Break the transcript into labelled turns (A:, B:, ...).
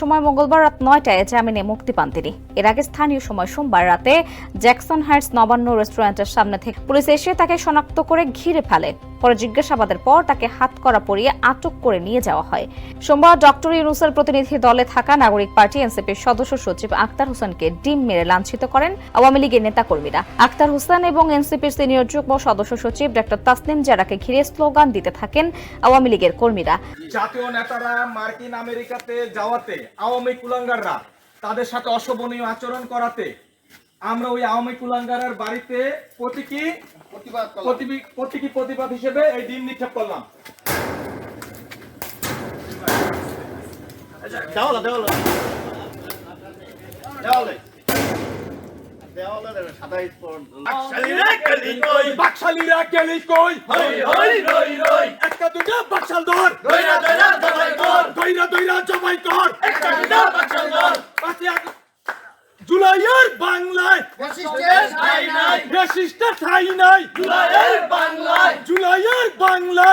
A: সময় মঙ্গলবার রাত 9টায় জামিনে মুক্তি পান তিনি। এর আগে স্থানীয় সময় সোমবার রাতে জ্যাকসন হাইটস নবান্ন রেস্টুরেন্টের সামনে থেকে পুলিশ এসে তাকে শনাক্ত করে ঘিরে ফেলে। পরে জিজ্ঞাসাবাদের পর তাকে হাতকড়া পরিয়ে আটক করে নিয়ে যাওয়া হয়। সোমবার ডক্টর ইউনূসের প্রতিনিধি দলে থাকা নাগরিক পার্টি এনসিপির সদস্য সচিব আক্তার হোসেনকে ডিম মেরে লাঞ্ছিত করেন আওয়ামী লীগের নেতাকর্মীরা। আক্তার হোসেন এবং এনসিপির সিনিয়র যুগ্ম সদস্য সচিব ডক্টর তাসনিম জারাকে ঘিরে স্লোগান দিতে থাকেন আওয়ামী লীগের কর্মীরা।
B: জাতীয় নেতারা মার্কিন আমেরিকাতে যাওয়াতে আওয়ামী কুলাঙ্গাররা তাদের সাথে অশোভনীয় আচরণ করাতে আমরা ওই আওয়ামী কুলাঙ্গারের বাড়িতে প্রতিবাদ হিসেবে এই ডিম নিক্ষেপ করলাম। বাকশালীরা গেলি কই একটা দুটা বাকশাল ধর দইরা জবাই কর একটা দুটা বাকশাল ধর। জুলাইয়ের বাংলায় ফ্যাসিস্টের ঠাঁই নাই জুলাইয়ের বাংলায়